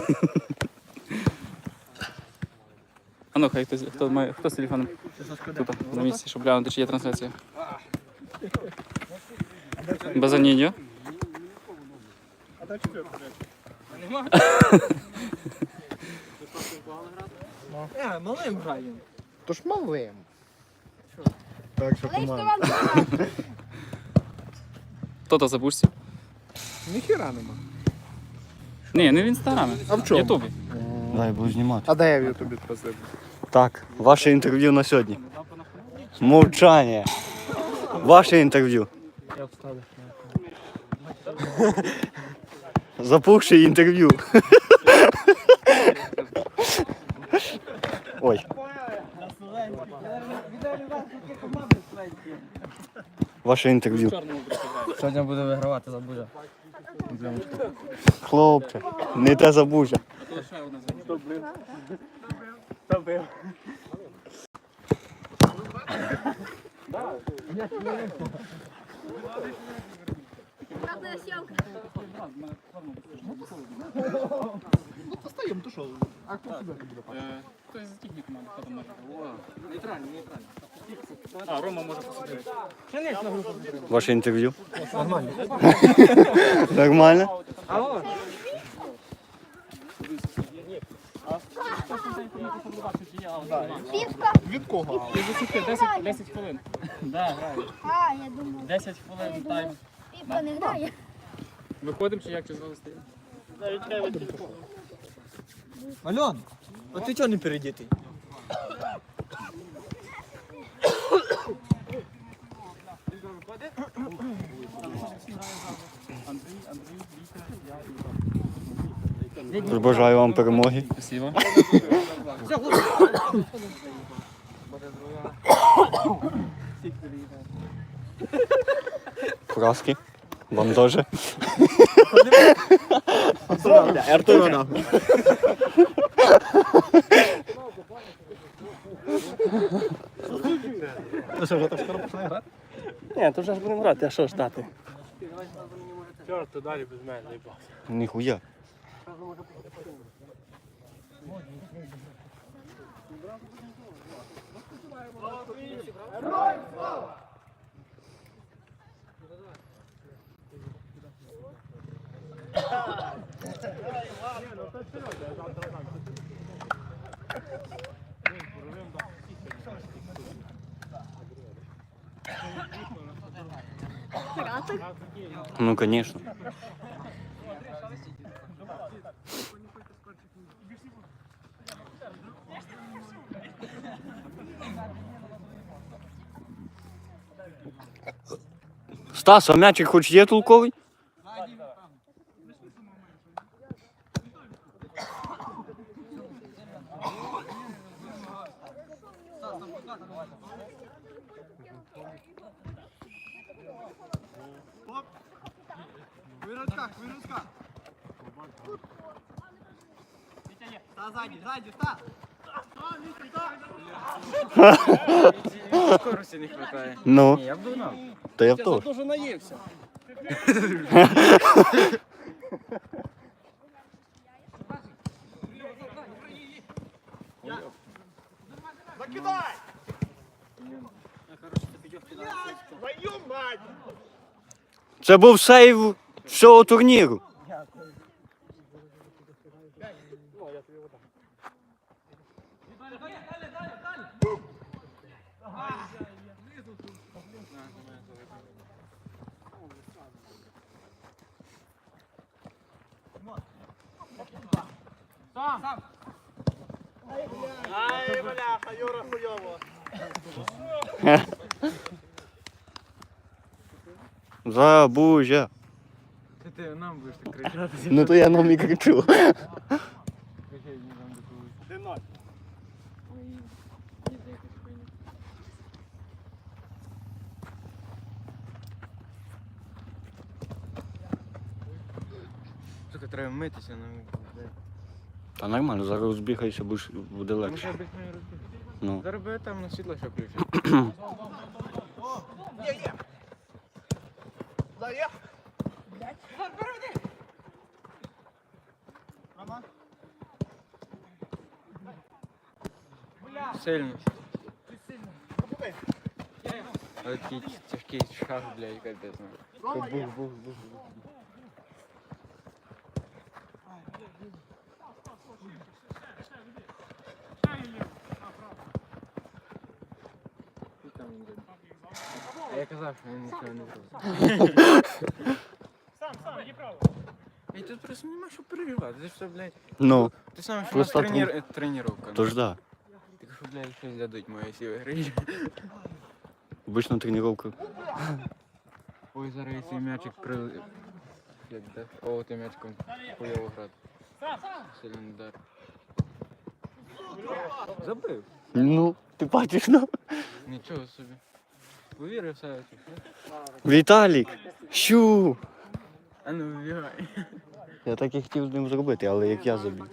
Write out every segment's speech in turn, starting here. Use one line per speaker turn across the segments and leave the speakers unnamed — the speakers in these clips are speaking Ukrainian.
А ну, хай хто з телефоном тут на місці, щоб глянути, чи є трансляція. Базаніньо.
А там четвертый.
Нема? Малим граємо.
То ж малим. Так, що команда.
Хто-то запустив.
Ніхіра нема.
Ні, не в інстаграмі.
А в чому?
В Ютубі.
Дай, буду знімати.
А де я в Ютубі просив?
Так, ваше інтерв'ю на сьогодні. Мовчання. Ваше інтерв'ю.
Я вставлю.
Запухши інтерв'ю. Ой. Ваше інтерв'ю.
Сьогодні буде вигравати Забужа.
Хлопче, не те Забужа.
Правда, съемка.
Ну, постаємо, то що? А хто сюди буде?
Хто з техніком, хто там може? Нейтральний. А, Рома може посмотрети.
Ваше інтерв'ю.
Нормально.
Нормально?
Алло.
Півка.
Від кого?
10 хвилин. Да, граю.
А, я думав.
10 хвилин тайм.
Півка не грає.
Виходимо чи як, чи знову стоїмо?
Альон, а ти чого не передітий?
Бажаю вам перемоги.
Спасибо.
Фраски. Вам теж.
Артура нахуй. Ну що, вже так скоро починає грати?
Ні, то вже ж будемо грати, а що ж дати?
Чорт, далі без мене, не бав.
Ніхуя. Ну, конечно. Стас, а м'ячик хоч є толковий?
Виручка. Та ззаді, та! Скорості не хватає.
Ну,
Я б догнав.
то я теж.
Дуже наївся.
Закидай! Твою мать!
Це був сейв всього турніру.
Ай, бляха, Юра хуйово.
Забужа.
Ти нам будеш так кричати.
Ну то я нам і кричу.
Де ноль?
Сука, треба митися.
Та нормально, зараз розбігайся, буде
Ми
легше.
ще обіг не розбіг.
Ну.
Зараз би там на світло ще включити.
Заєх! Рома?
Сильно. Але такий тяжкий шаг, блядь, капець. Бух, бух, бух, бух. А я казав, що він нічого не зробив. І тут просто нема що переживати. Це ж все, блядь.
Ну,
Ти сам, що
Просто
тренування.
то ж да.
Так що, блядь, щось дадуть мої сіли гри.
Обично тренування.
Ой, зараз я цей м'ячик при... Як де? О, ти м'ячком хуйово грати. Сильний удар. Забив.
Ну, ти бачиш, ну.
Нічого собі. Повірив все.
Віталік! Щу!
А ну, вибігай.
Я так і хотів з ним зробити, але як я забіг.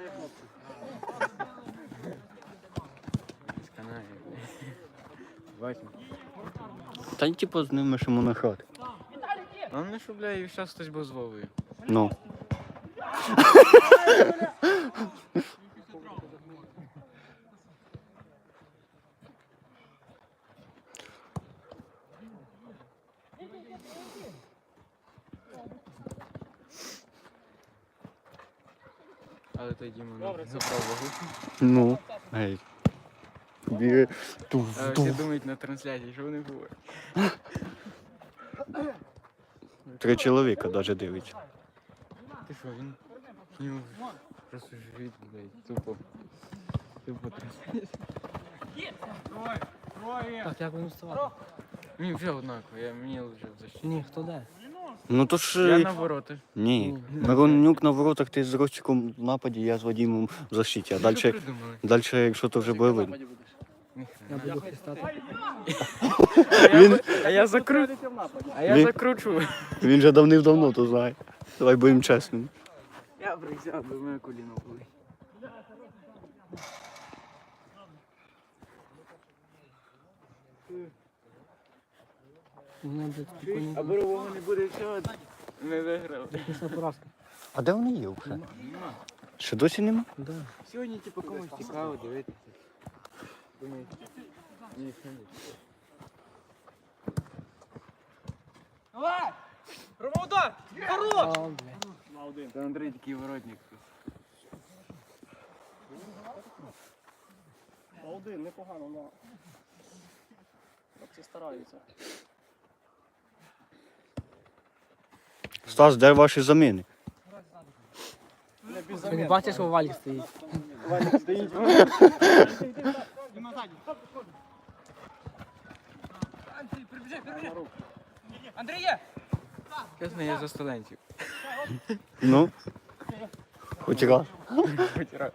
Сканає. Бачимо.
Та й типу з ними ще на хати.
А не що, бля, і зараз хтось був з Вовою.
Ну.
Але той Діма не забрав вагу.
Ну. Гей. Тобі
А всі думають на трансляції, що вони говорять.
3 чоловіка навіть дивиться.
Ти що, він? У нього просто живіт, блядь, тупо. Тупо трансляція.
Так, як будемо вставати?
Мені вже однаково, мені вже в защиті.
Ні, хто де?
Ну то
Я
ж...
на ворота.
Ні. Миронюк на воротах, ти з Ростиком в нападі, я з Вадимом в защиті. А
Що
далі,
придумали?
якщо то вже буде видно.
Я буду хистати.
А я закручу. А я
Він-
закручу.
Він же давним-давно то знає. Давай будемо чесними.
Я присяду, бо моє коліно болить.
Мене, блядь, спокійно.
А борового не буде всього. Ми виграли.
Після поразки.
А де вони є вже? Ще досі нема?
Да.
Сьогодні, типу, комусь цікаво дивитися. Думаю, ні, що ні.
А, блядь.
Та Андрій такий воротник.
Один, непогано, але хлопці стараються.
Стас, де ваші заміни?
Ти не бачиш, що Валік стоїть?
Чесно, я за студентів.
Ну? Хоч раз.
Хоч раз.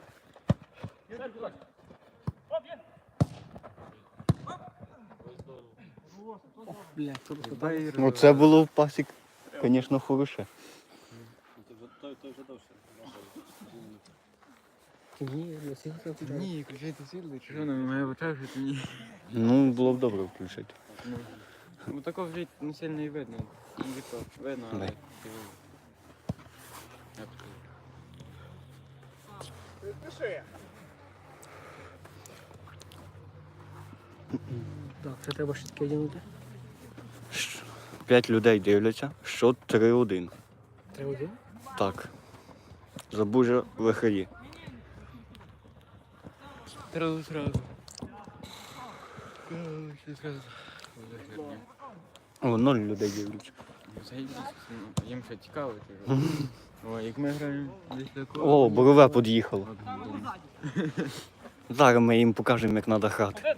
Блядь, тут хто
Дай
Ну це було в пасік, звісно, хороше.
Ні, я всіх хотів туди.
Ні, включайте світло, чи що нам має вичавшити, ні.
Ну, було б добре включити.
Ну такого вже не сильно і видно. Ну, типу, видно, але...
Дай.
типу, як сказати.
Так, ще треба щитки одягнути.
5 людей дивляться, що 3-1.
Треба один?
Так. Забужа вихарі.
Сразу, сразу. Ще сразу.
О, 0 людей дивляться.
Заїбись, ну, їм ще цікаво. чи що? О, як ми граємо десь такого.
О, борове під'їхало. Зараз ми їм покажемо, як треба грати.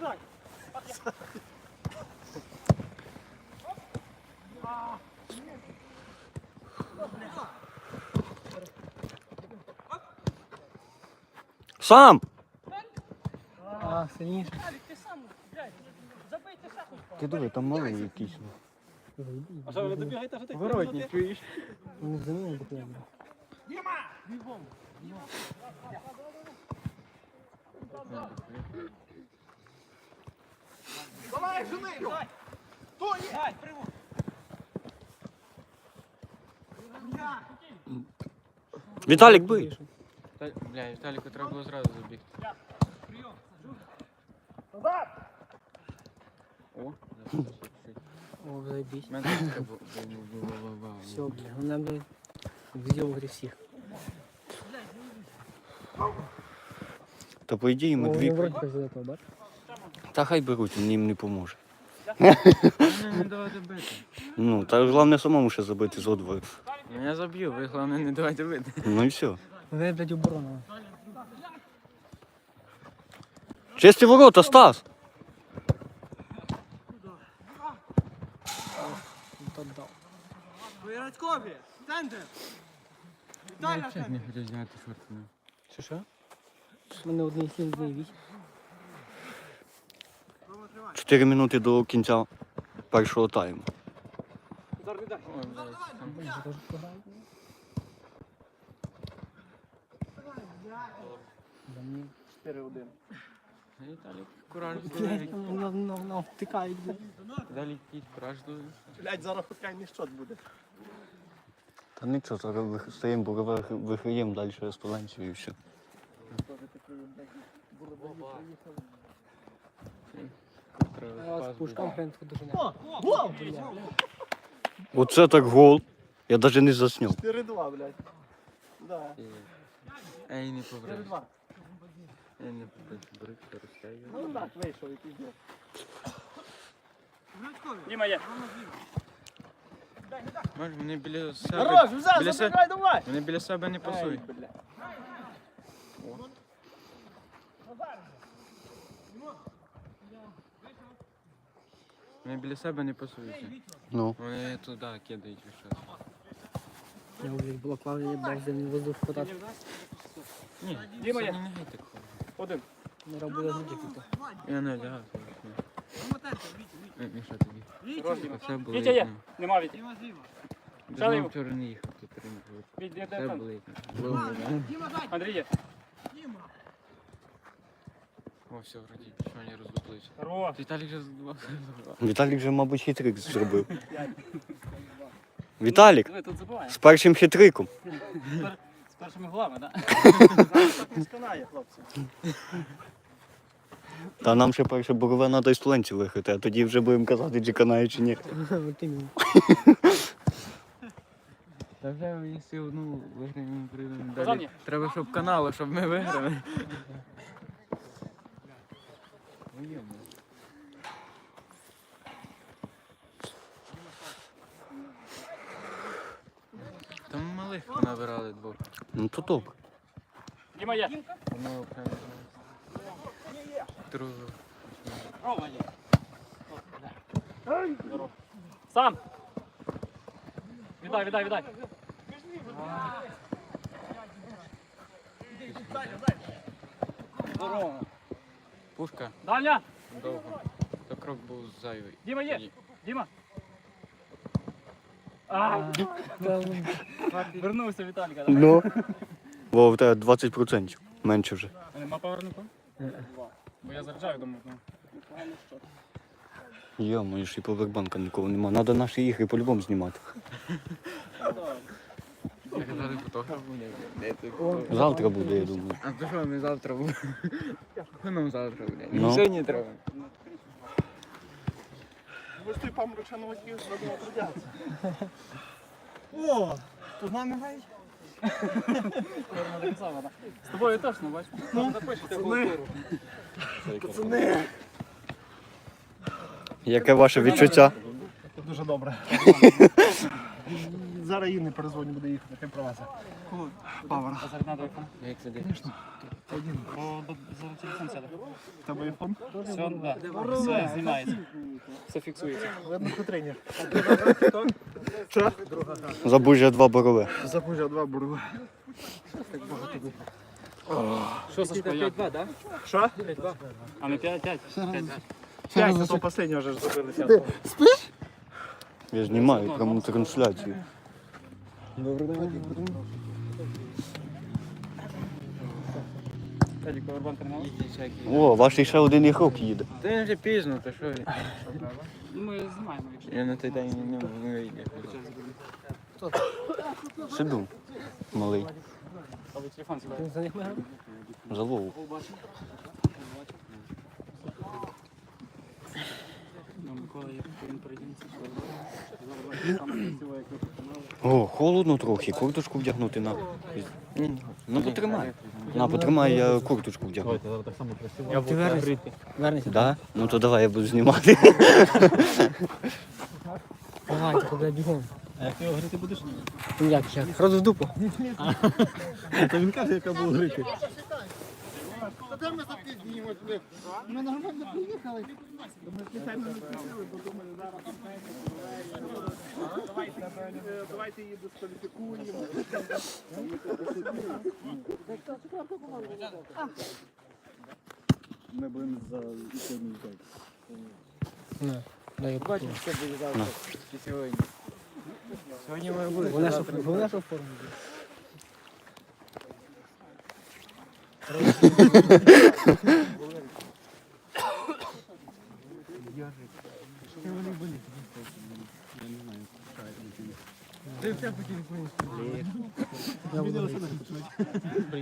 Сам!
А, сильніше.
Ти диви, там малий якийсь.
А що, ви не добігаєте вже тих?
Воротник, чуєш?
Вони замінили документи.
Віталік, бий!
Бля, Віталіку треба було зразу забігти. О,
О, заебись.
мене така була.
Все, бля, он нам, блядь, взял всех.
Та по ідеї ми
О,
дві.
он вроде как за этого, бач?
Та хай беруть, він їм не поможе.
Мене не давайте бити.
Ну, та головне самому ще забити з одвою.
Ну я заб'ю, ви головне не давайте бити.
Ну і все.
Ну, блядь, оборона.
Чисті ворота, Стас!
Вот отдал.
Я взагалі не хочу зняти шорти.
Що? У мене одне 7 днів вісім.
4 минути до кінця першого тайму.
Ой, блядь.
Я теж програв. Да мені.
4-1.
Віталік, кураж
Блядь,
дує.
втикають, блядь.
Далі якийсь кураж дує.
Блядь, зараз хокейний щот буде.
Та нічого, зараз стаємо, бо виграємо далі з Паленцією і все.
Я вас пушкам прям дуже не.
О, гол!
Оце так гол. Я навіть не засняв.
4-2, блядь. Да.
Ей, не побрав.
4-2.
Я не побрав, брик, розтягує.
Ну так, вийшов і піздець.
Діма є.
Може, вони біля себе...
Хорош, взяв,
біля
забігай, давай!
Вони біля себе не пасують.
Ай, блядь.
Вони біля себе не пасуються.
Ну.
Вони туди кидають весь час.
Я вже було плавання, блядь, за воздух хватати.
Ні,
Діма є.
Саня не гей так ходить.
Один.
Не робила звуки тут.
Я не лягав. Міша тобі.
Хорош, Діма.
Все було.
Вітя є. Нема Віті.
Знову
Шалів.
вчора не їхав, тут ринок.
Вітя, де
Все
там?
було. Було, да.
Андрій є.
О, все, вроді, що вони роздуплилися.
Хорош.
Віталік вже задувався.
Віталік вже, мабуть, хитрик зробив. Віталік,
Ви тут забуваємо.
з першим хитриком.
З першими голами, так?
Не сканає, хлопці.
Та нам ще перше борове треба із Туленців виграти, а тоді вже будемо казати, чи канає, чи ні.
От іменно.
Та вже якщо одну виграємо, прийдемо
Казан
далі.
є.
Треба, щоб канали, щоб ми виграли. Ну, йомо. Там малих набирали двох.
Ну то добре.
Діма є.
Одного прямо. Другого.
Рома є. Здорово. Сам. Віддай, віддай, віддай. Здорово.
Пушка
Дальня.
довго. То крок був зайвий.
Діма є.
Ні.
Діма. Вернувся Віталіка. да?
Ну. Бо в тебе 20%. Менше вже.
А нема повернуку? Бо я заряджаю, думаю. ну.
Йо, ж і повербанка нікого нема. Треба наші ігри по-любому знімати.
Я казали, фотограф буде. Де ти?
Завтра буде, я думаю.
А то що, ми завтра буде? Що нам завтра буде?
Ну.
Сьогодні треба.
Ви ж той памручану водію зробили трудяться. О, тут з нами грають?
Форма така сама, да? З тобою точно, бачиш? Ну, запишете культуру.
Пацани.
Яке ваше відчуття?
Дуже добре. Зараз їй не перезвоню, буде їхати, ти провезе. Павер.
А зараз надо айфон.
Як це дивишся?
Бо зараз телефон сяде.
В тебе айфон?
Все, да. Все знімається. Все фіксується.
Видно, що тренер. Що?
Забужжя 2 борове.
Запужа 2 бурли.
Що, Сашко, як?
Що?
А не 5-5?
5, це то останнє вже ж забилися.
Я знімаю пряму трансляцію.
Тедік, повербан тренував?
О, ваш ще один ігрок їде.
Та він вже пізно, то що ви?
Ну, ми знімаємо, якщо.
Я на той день не вийде.
Сиду. Малий.
А ви телефон сюди.
Ти за них ми грали?
За Вову. О, холодно трохи, курточку вдягнути на. Ну потримай. На, потримай, я курточку вдягну.
Я ти вернешся.
Да? Ну то давай я буду знімати.
Давай, тебе бігом.
А як ти його грити будеш?
Ну як? Роз в дупу.
Та він каже, яка була грити.
Ми нормально приїхали. Ми спеціально не просили, бо думали, зараз давайте її дискваліфікуємо.
Ми будемо за сьогодні йти.
Не, дай я покажу.
Сьогодні. Сьогодні ми були.
Вона що в формі? Я буду брити.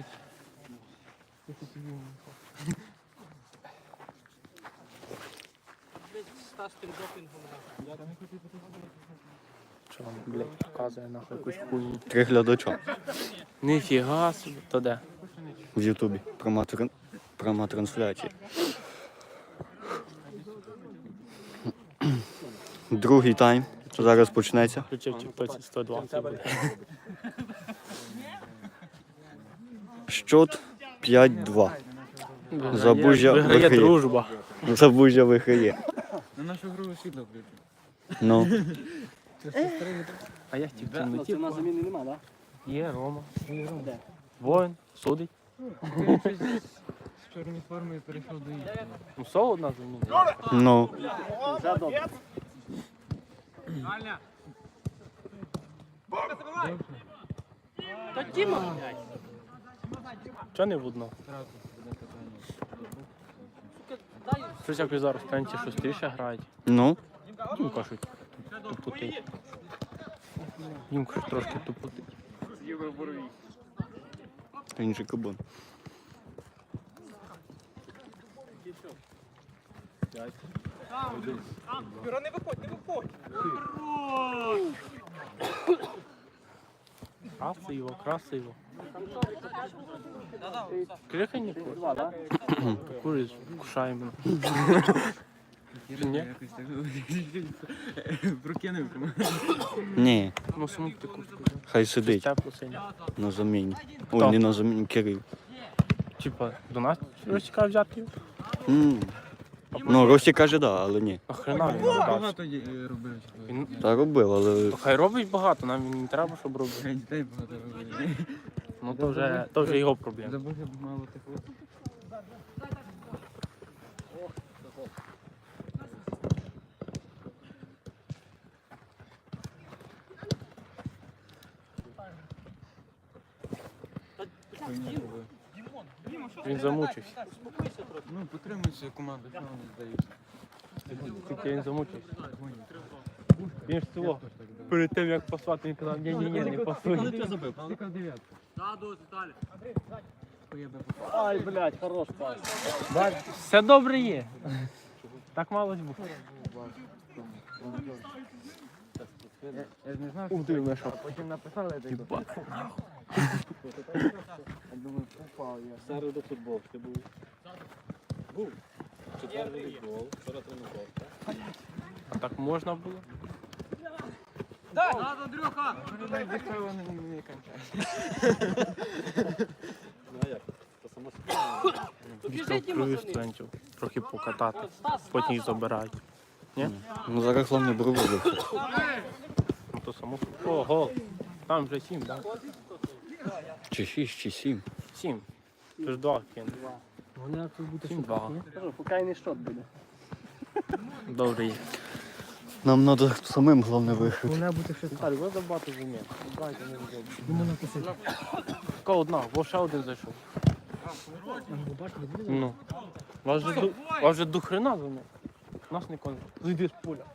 Що вам, блядь, показує нахуй якусь хуйню?
3 глядача
Ніфіга собі. То де?
в Ютубі. Пряма трансляція. Другий тайм. Зараз почнеться.
Включив тіктоці 120 буде.
Щот 5-2. Забужя
Виграє
виграє.
дружба.
Забужя виграє.
На нашу гру світло включу.
Ну.
А я хотів темноті.
Це на заміни нема, так?
Є Рома. Воїн, судить.
З чорної форми перейшов до іншої.
Ну, соло одна заміна.
Ну.
Вже добре.
Чого не в одно? Щось якось зараз пенсі шустріше грають.
Ну.
Ну, кажуть, тупотить. Їм кажуть, трошки тупотить.
Інший кабан.
Красиво, красиво. Крихай не курить. Курить, кушаємо. Ні?
Якось так прокинув.
Ні,
Ну, саму ти куртку.
хай сидить
Тепло синє.
на заміні.
Хто?
Ой, не на заміні, Кирил.
Типа, до нас розцікав взяти?
М. Ну, Рості каже, да, але ні.
Охрена він додався.
Багато робив.
Він
Та робив, але
хай робить багато, нам він не треба, щоб робив.
Дітей багато робив.
Ну то вже його проблема.
Забув мало тепло.
Він замучився.
Ну, потримуйся команду, що вони здають.
Тільки він замучився. Він ж цього. Перед тим як послати, він казав, ні, не пасуй.
Яка дев'ятка?
Ай, блядь, хорош пас.
Все добре є. Так мало ж бути.
Я ж не знав,
Ух ти, Миша.
потім написали, де
Єба.
я думаю, попав я.
Середу футбол, ти був? Був. Четвер волейбол, вчора тренував.
А так можна було?
Вони дихали, не кончають.
Ну а як? То само собі.
Відкрив студентів. Трохи покатати. Потім їх забирають. Ні?
ну, зараз головне брову.
Ну то само. О, гол. Там вже 7, так?
Чи 6, чи 7.
7. Ти ж 2 кинув.
Вони тут буде
7-2.
Кажу, покайний шот буде.
Добре є.
Нам треба самим головне виграти.
Вона буде ще
Віталій, ви забагато зумів. Дайте не зробити.
не можна косити.
Така одна, бо ще один зайшов.
Бачите, буде?
Ну. Вас же до хрена зумів. Нас не кончить. Зайди з поля.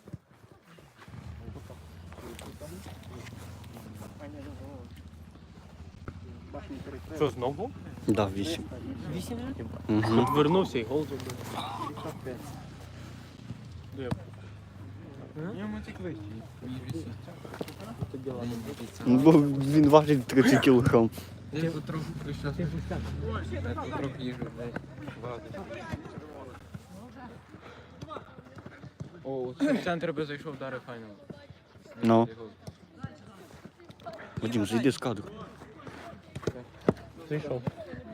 Що, знову?
Да, 8.
8
Угу.
Тут вернувся і гол зробив.
Йому тільки вищий, ніж вісім.
Ну, бо він важить 30 кілограм.
Я потроху прийшов. Я потроху їжу десь вагати. О, в центр би зайшов, вдарив файно.
Ну. Вадим, зайди з кадру.
Зайшов.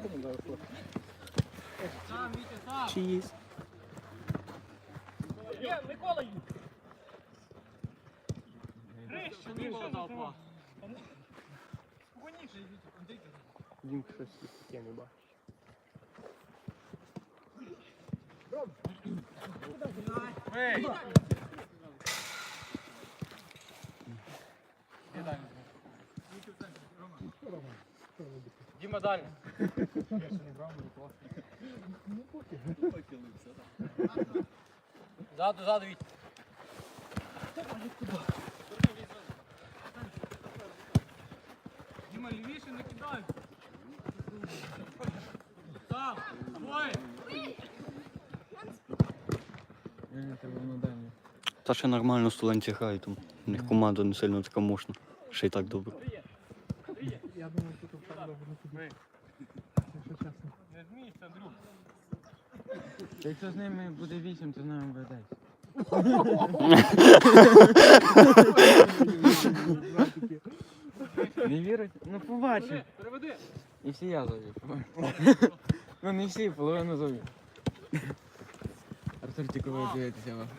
Чиїсь.
Дімка щось таке не бачить.
Діма, далі. Ззаду, Віть. Діма, лівіше не кидай. Там, двоє.
Мені треба на дальню.
Та ще нормально студенті грають там. У них команда не сильно така мощна. Ще й так добре.
Я думаю, що тут так добре не піде. Якщо чесно.
Не змійся, Андрюх.
Якщо з ними буде 8, то з нами буде 10. Не вірить? Ну побачив.
Переведи.
І всі я завів. Ну не всі, половину завів. Артур тільки ви дивитеся вас.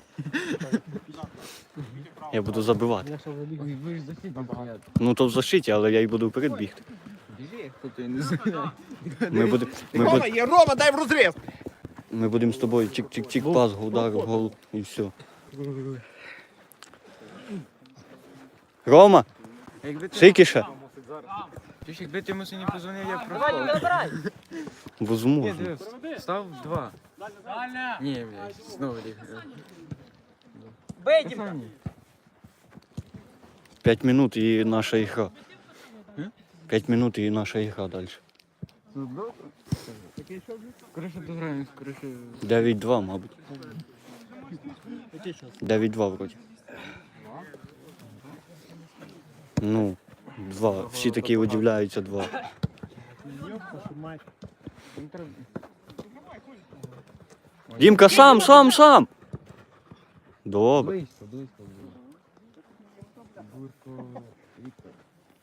Я буду забивати.
Я ще заліз.
Ой, ви ж західні стояти.
Ну то в защиті, але я й буду вперед бігти.
Біжи, хто ти не знає.
Рома, дай в розріз!
Ми будемо з тобою чик-чик-чик, пас, удар, гол і все. Рома,
Якби ти...
Шикіша.
Ти ж якби ти йому сьогодні позвонив, я б проспав. Ні,
Возможно.
дивись, став 2.
Дальня.
Ні, блядь, знову ліг.
Бей, Діма.
5 минут і наша ігра. 5 минут і наша ігра далі.
Скоріше дограємо, скоріше...
9-2, мабуть. 9-2 вроді. Ну, 2. Всі такі удивляються 2. Дімка, сам! Добре.
Близько було. Бурко, Віктор.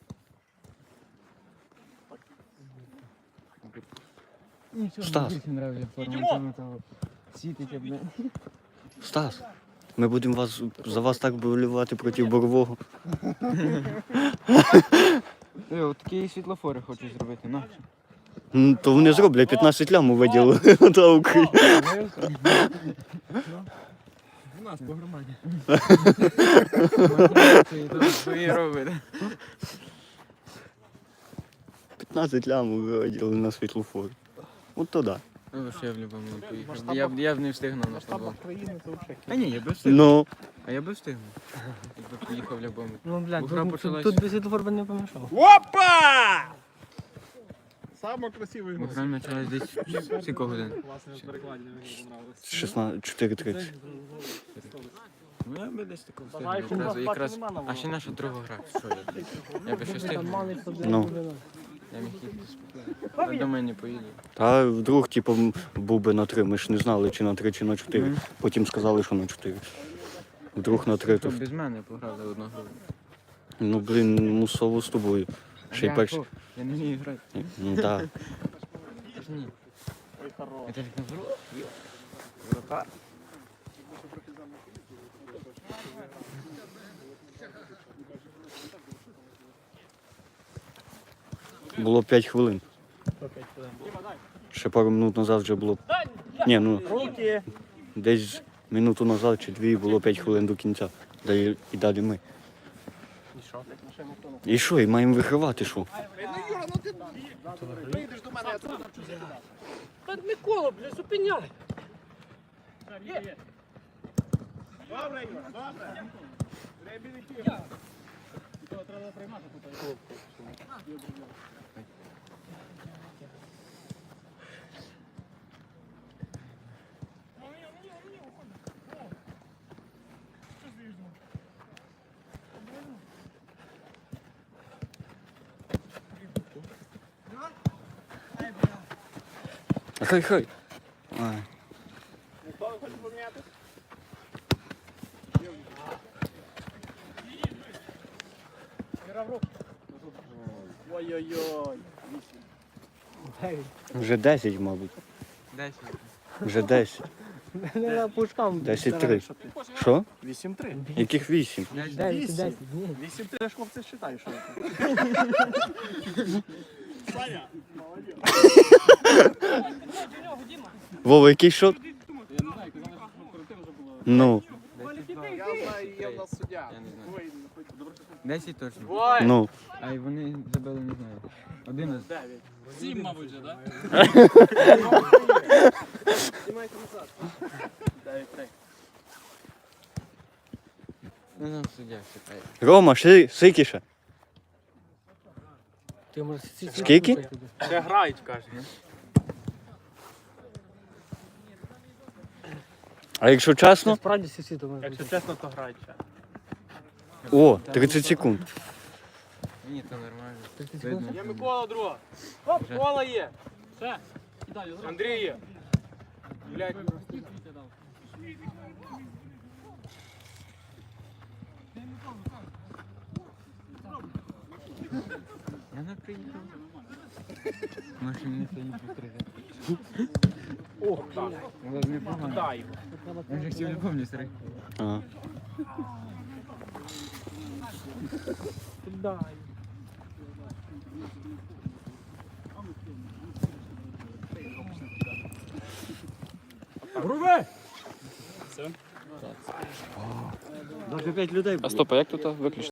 Нічого,
Стас.
більше нравиться форма, того світить, блядь.
Стас, ми будемо за вас так болювати проти Борового.
От такі світлофори хочу зробити, на.
То вони зроблять 15 лям виділили та Україні.
У нас по громаді. Свої робить.
15 лям виділили на світлофор. От то да.
Ну, що я в любому не поїхав. Я б не встигнув на
Масштабах
шлагбаум.
країни це взагалі.
А ні, я би встигнув.
Ну,
А я би встигнув. Якби поїхав в любому.
Ну, блядь,
Бо гра почалась.
тут без світлофор би не помішав.
Опа! Саме красивий
Бо гра почалась десь скільки годин.
Класне перекладення, мені понравилось.
4:30.
Ну я би десь такого встигнув. Якраз. А ще наша друга гра. Що я? Я би ще встигнув.
Ну.
Я міг їхати спокійно. Я до мене поїду.
Та вдруг, типу, був би на 3. Ми ж не знали, чи на 3, чи на 4. Потім сказали, що на 4. Вдруг на 3.
То
То...
без мене пограли одну гру.
Ну, блін, мусово з тобою. Ще й
Я
перший.
що? Я не вмію грати.
Ну, так.
Я ж ні. Я теж не зру.
Було 5 хвилин. Ще пару минут назад вже було. Ні, ну десь минуту назад чи 2 було 5 хвилин до кінця. І далі ми. І що? І маємо вигравати, що?
Ну, Юра, ну ти прийдеш до мене, я це
Та Микола, бля, зупиняй.
Добре, Юра, добре.
Треба приймати тут.
Хай. Ай.
Ніхто не хоче поміняти? Ой-ой-ой.
Вже 10, мабуть.
10.
Вже 10.
Не на пушкам.
10-3. Що?
8-3.
Яких 8?
10, ні.
8-3 я ж хлопці вважаю, що це. Саня, молодець.
Вова, який шот?
Я не знаю, казали, що перед вже було.
Ну,
Я знаю, є в нас суддя.
Я не знаю.
Ой, ну, хоч добре, що
10 точно.
ну.
А й вони забили, не знаю. 11.
9.
7, мабуть, же, так?
Знімайте назад. 9-3.
Ну нам суддя чекає.
Рома, Сикіша.
Ти може
Скільки?
Ще грають, каже.
А якщо чесно?
Справді сусід, то може. Якщо чесно, то грають ще.
О, 30 секунд.
Ні, то нормально. Видно.
Є Микола друга. Оп, Кола є.
Все, кидай, зразу.
Андрій є. Блядь.
Я не приїхав. Може мені це не постригати.
Ох, так.
Але непогано.
Дай.
Я вже хотів любовні стриг.
Ага.
Дай.
Все.
Даже 5 людей.
А стоп, а як тут виключити?